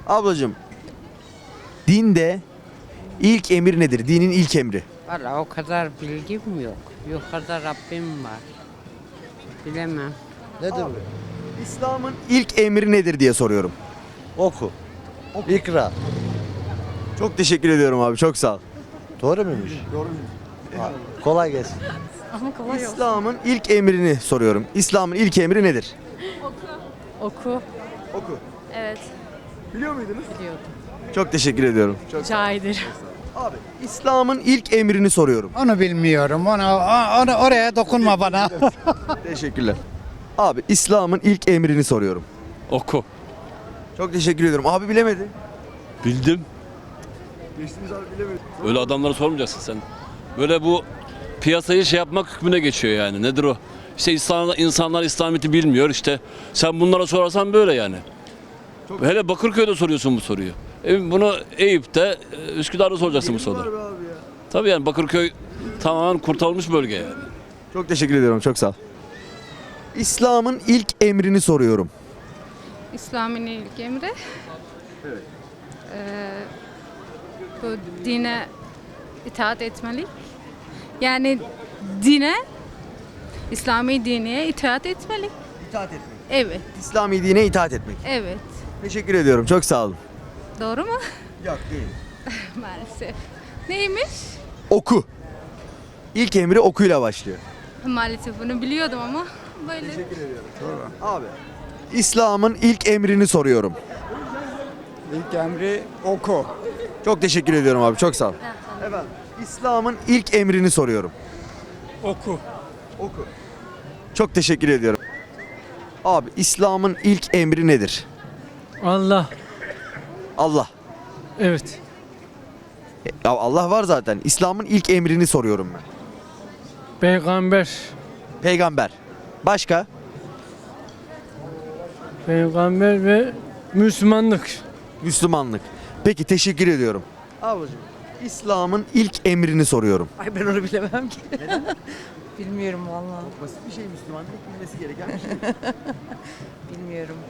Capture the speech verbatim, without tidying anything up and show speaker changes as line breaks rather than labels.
Ablacığım, dinde ilk emir nedir? Dinin ilk emri.
Valla o kadar bilgim yok. Yukarıda Rabbim var. Bilemem.
Nedir bu?
İslam'ın ilk emri nedir diye soruyorum.
Oku. İkra.
Çok teşekkür ediyorum abi. Çok sağ ol.
Doğru muymuş?
Doğru.
Ha, kolay gelsin.
İslam'ın ilk emrini soruyorum. İslam'ın ilk emri nedir?
Oku.
Oku.
Evet.
Biliyor muydunuz?
Biliyordum.
Çok teşekkür ediyorum. Çok
Rica ederim.
Abi, İslam'ın ilk emrini soruyorum.
Onu bilmiyorum. Onu, onu oraya dokunma bana.
Teşekkürler. Abi, İslam'ın ilk emrini soruyorum.
Oku.
Çok teşekkür ediyorum. Abi bilemedi.
Bildim.
Geçtiniz abi bilemedi.
Öyle adamlara sormayacaksın sen. Böyle bu piyasayı şey yapmak hükmüne geçiyor yani. Nedir o? İşte insanlar, insanlar İslamiyet'i bilmiyor işte. Sen bunlara sorarsan böyle yani. Hele Bakırköy'de soruyorsun bu soruyu. E bunu Eyüp'te, e, Üsküdar'da soracaksın bu soruyu.
Abi ya.
Tabii yani Bakırköy tamamen kurtarılmış bölge yani.
Çok teşekkür ediyorum. Çok sağ ol. İslam'ın ilk emrini soruyorum.
İslam'ın ilk emri. Evet. bu dine itaat etmeli. Yani dine, İslami dine itaat etmeli.
İtaat etmek.
Evet,
İslami dine itaat etmek.
evet.
Teşekkür ediyorum. Çok sağ olun.
Doğru mu?
Yok değil.
Maalesef. Neymiş?
Oku. İlk emri okuyla başlıyor.
Maalesef bunu biliyordum ama böyle.
Abi. İslam'ın ilk emrini soruyorum.
İlk emri oku.
Çok teşekkür ediyorum abi. Çok sağ ol. Efendim. İslam'ın ilk emrini soruyorum.
Oku.
Oku. Çok teşekkür ediyorum. Abi, İslam'ın ilk emri nedir?
Allah.
Allah.
Evet.
E, Ya Allah var zaten. İslam'ın ilk emrini soruyorum ben.
Peygamber.
Peygamber. Başka?
Peygamber ve Müslümanlık.
Müslümanlık. Peki, teşekkür ediyorum. Ablacığım, İslam'ın ilk emrini soruyorum.
Ay ben onu bilemem ki. Bilmiyorum vallahi.
Basit bir şey, Müslümanlık bilmesi gereken bir şey.
Bilmiyorum.